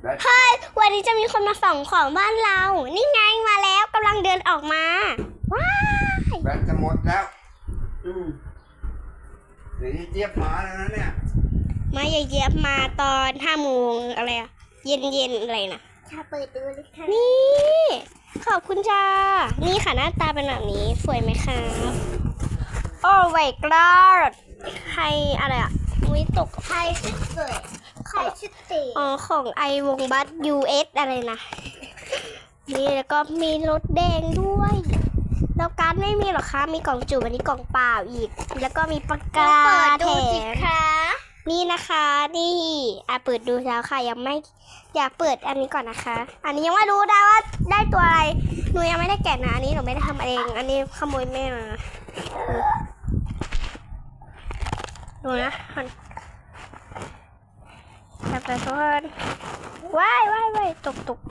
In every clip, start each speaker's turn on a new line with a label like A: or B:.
A: เฮ้ยวันนี้จะมีคนมาส่องของบ้านเรา นี่ไงมาแล้วกำลังเดินออกมา ว้าย
B: แบตจะหมดแล้วเดี๋ยวเจี๊ยบมาแล้วนะเนี่ย
A: มาเยียบมาตอน5 โมงอะไรอะเย็นอะไรนะ
C: ถ้าเปิดดูเลยค่ะ
A: นี่ ขอบคุณจ้า นี่ค่ะหน้าตาเป็นแบบนี้สวยไหมคะโอ้ไวกรอดใครอะไรอะวิตก
C: ใครชุดสวยใครชุดเต๋
A: อ๋อของไอวงบัส US อะไรนะนี่แล้วก็มีรถแดงด้วยแล้วการ์ดไม่มีหรอคะมีกล่องจุ่มอันนี้กล่องเปล่าอีก แล้วก็มีปากกา
C: เปิด
A: แถ
C: ดูสิ
A: ม
C: คะ
A: นี่นะคะนี่เปิดดูแล้วค่ะยังไม่อยากเปิดอันนี้ก่อนนะคะ อันนี้ยังไม่รู้นะว่าได้ตัวอะไรหนูยังไม่ได้แกะนะอันนี้หนูไม่ได้ทำเอง อันนี้ขโมยแม่มาดูนะจับไปทุกคนว้ายตก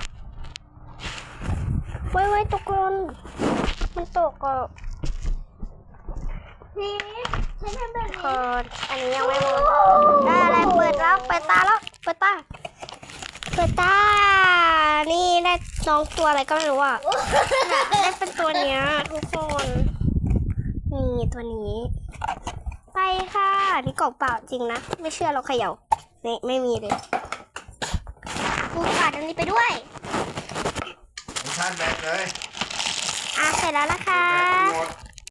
A: ว้ายตกคนมันตกอ่ะ
C: นี่ฉันทำแบบ
A: ค
C: นี้
A: นอันนี้ยังไม่หมดได้อะไรเปิดแล้วเปิดตาแล้วเปิดตานี่ได้น้องตัวอะไรก็ไม่รู้อ่ะได้เป็นตัวเนี้ยทุกคนนี่ตัวนี้ไปค่ะนี่กล่องเปล่าจริงนะไม่เชื่อเราเขย่านี่ไม่มีเลยกูขาดอันนี้ไปด้วย
B: ผมชาร์จแบตเลย
A: เสร็จแล้วนะคะ
B: แบตจะหมด